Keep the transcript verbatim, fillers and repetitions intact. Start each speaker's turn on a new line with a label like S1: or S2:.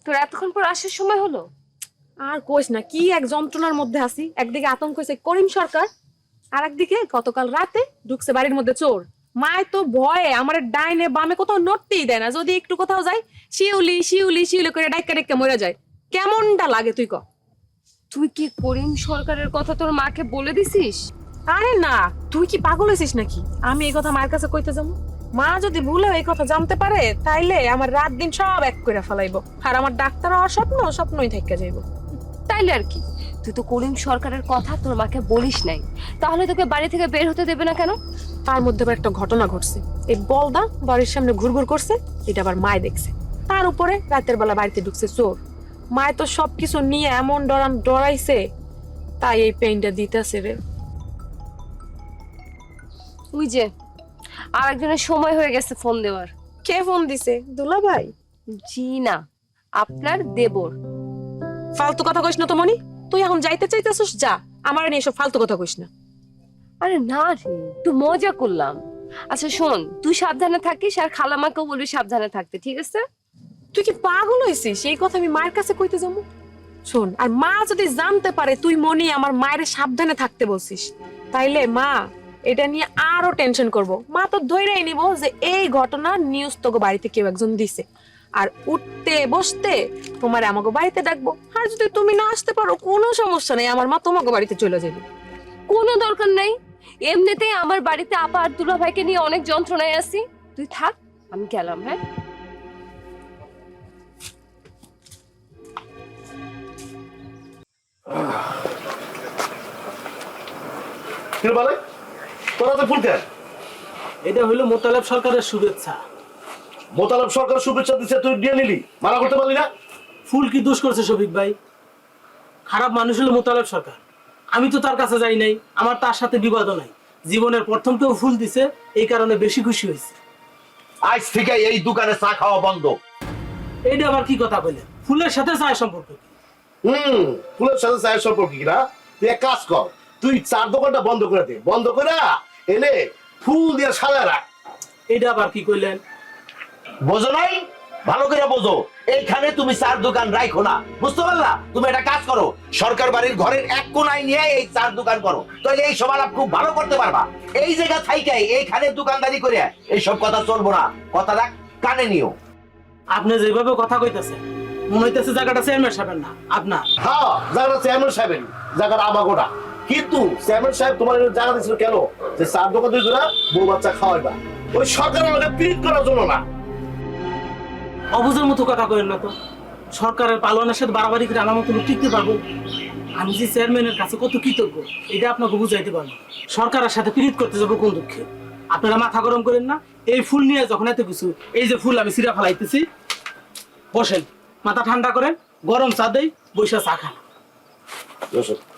S1: তোর এতক্ষণ পর আসার সময় হলো?
S2: আর কইস না, কি এক যন্ত্রণার মধ্যে আছি। একদিকে আতঙ্ক হয়েছে করিম সরকার, আর একদিকে গতকাল রাতে ঢুকছে বাড়ির মধ্যে চোর। মায় তো ভয়ে আমার ডাইনে বামে কোথাও নড়তেই দেয় না। যদি একটু কোথাও যাই, শিউলি শিউলি শিউলি করে ডাইকা ডাইকা মরে যায়। কেমনটা লাগে তুই ক?
S1: তুই কি করিম সরকারের কথা তোর মাকে বলে দিছিস?
S2: আরে না, তুই কি পাগল হয়েছিস নাকি? আমি এই কথা মায়ের কাছে কইতে যাবো? মা যদি ভুলেও এই কথা জানতে পারে, তাইলে আমার রাত দিন সব এক করে ফেলাইবো, আর আমার ডাক্তার হওয়ার স্বপ্ন স্বপ্নই থাইকা যাইবো।
S1: তাইলে আর কি, তুই তো করিম সরকারের কথা তোর মাকে বলিস নাই, তাহলে তোকে বাড়ি থেকে বের হতে দেবে না কেন?
S2: তার মধ্যে আবার একটা ঘটনা ঘটছে। এই বলদা বাড়ির সামনে ঘুরঘুর করছে, এটা আবার মায় দেখছে। তার উপরে রাতের বেলা বাড়িতে ঢুকছে চোর। মায় তো সবকিছু নিয়ে এমন ডরান ডরাইছে, তাই এই পেইনটা দিতেছে রে।
S1: ওই যে আর একজনের সময় হয়ে গেছে ফোন দেওয়ার।
S2: কে ফোন দিছে? দুলা ভাই?
S1: জি না, আপনার দেবর।
S2: ফালতু কথা কইস না তো মনি। তুই এখন যাইতে চাইতেছিস, যা, আমার নিয়ে এসব ফালতু কথা কইস না।
S1: আরে না রে, একটু মজা করলাম। আচ্ছা শোন, তুই সাবধানে থাকিস আর খালামাকেও বলবি সাবধানে থাকতে, ঠিক আছে?
S2: তুই কি পাগল হয়েছিস? এই কথা আমি মায়ের কাছে কইতে যাবো? শোন, আর মা যদি জানতে পারে তুই মনি আমার মায়ের সাবধানে থাকতে বলছিস, তাইলে মা এটা নিয়ে আরো টেনশন করব। মা তো ধৈর্যই নিব যে এই ঘটনা নিউজ তোকে বাড়িতে কেউ একজন দিছে, আর উঠতে বসতে তোমার আমাকে বাড়িতে ডাকবো। আর যদি তুমি না আসতে পারো, কোনো সমস্যা নেই, আমার মা তোমাকে বাড়িতে চলে যাবে।
S1: কোনো দরকার নাই, এমনিতেই আমার বাড়িতে আপা আর দুলা ভাইকে নিয়ে অনেক যন্ত্রণায় আছি। তুই থাক, আমি গেলাম। হ্যাঁ,
S3: কি বলে তোরা তো ফুল কেন?
S4: এটা হইলো মোতালেব সরকারের শুভেচ্ছা।
S3: মোতালেব সরকার শুভেচ্ছা দিচ্ছে, তুই দিয়ে নিলি, মানা করতে পারলি না?
S4: ফুল কি দোষ করছে শফিক ভাই? খারাপ মানুষ হলো মোতালেব সরকার। আমি তো তার কাছে যাই নাই, আমার তার সাথে বিবাদও নাই। জীবনের প্রথম কেউ ফুল দিছে, এই কারণে বেশি খুশি হয়েছে।
S3: আজ থেকে এই দোকানে চা খাওয়া বন্ধ।
S4: এইটা আবার কি কথা বললেন? ফুলের সাথে চায়ের সম্পর্ক কি?
S3: হুম, ফুলের সাথে চায়ের সম্পর্ক কি না? তুই এক কাজ কর, তুই চার দোকানটা বন্ধ করে দে, বন্ধ করে এনে ফুল দিয়ে সাজা রাখ।
S4: এইটা আবার কি কইলেন?
S3: বোঝো নাই? ভালো করে বোঝো, এইখানে তুমি চার দোকান রাখো না, বুঝতে পারলা? তুমি একটা কাজ করো, সরকার বাড়ির ঘরের এক কোনায় নিয়ে এই চার দোকান করো, তাহলে এই সব আলাপ খুব ভালো করতে পারবা। এই জায়গা থাইকাই এইখানে দোকানদারি করে এইসব কথা চলবো না, কথাটা কানে নিও।
S4: আপনি যেভাবে কথা কইতেছেন মনে হইতেছে জায়গাটা চেয়ারম্যান সাহেবের না আপনার।
S3: হ্যাঁ, জায়গাটা চেয়ারম্যান সাহেবের, জায়গাটা আমাগোটা। কিন্তু চেয়ারম্যান সাহেব তোমার জায়গা দিয়েছিল কেন? যে চার দোকান দুই করে বউ বাচ্চা খাওয়াইবা, ওই সরকারের আমাকে পিরিত করার জন্য না।
S4: অবুঝের মতো কথা কইেন না তো। সরকারের পালনের সাথে বাড়াবাড়ি করে আমার মতো টিকতে পারবো? আমি যে চেয়ারম্যানের কাছে কত কৃতজ্ঞ, এটা আপনাকে বুঝাইতে পারবো। সরকারের সাথে পিরিত করতে যাবো কোন দুঃখে? আপনারা মাথা গরম করেন না। এই ফুল নিয়ে যখন এত কিছু, এই যে ফুল আমি সিরা ফেলাইতেছি, বসেন, মাথা ঠান্ডা করেন, গরম চা দেই, বৈশা চা খান।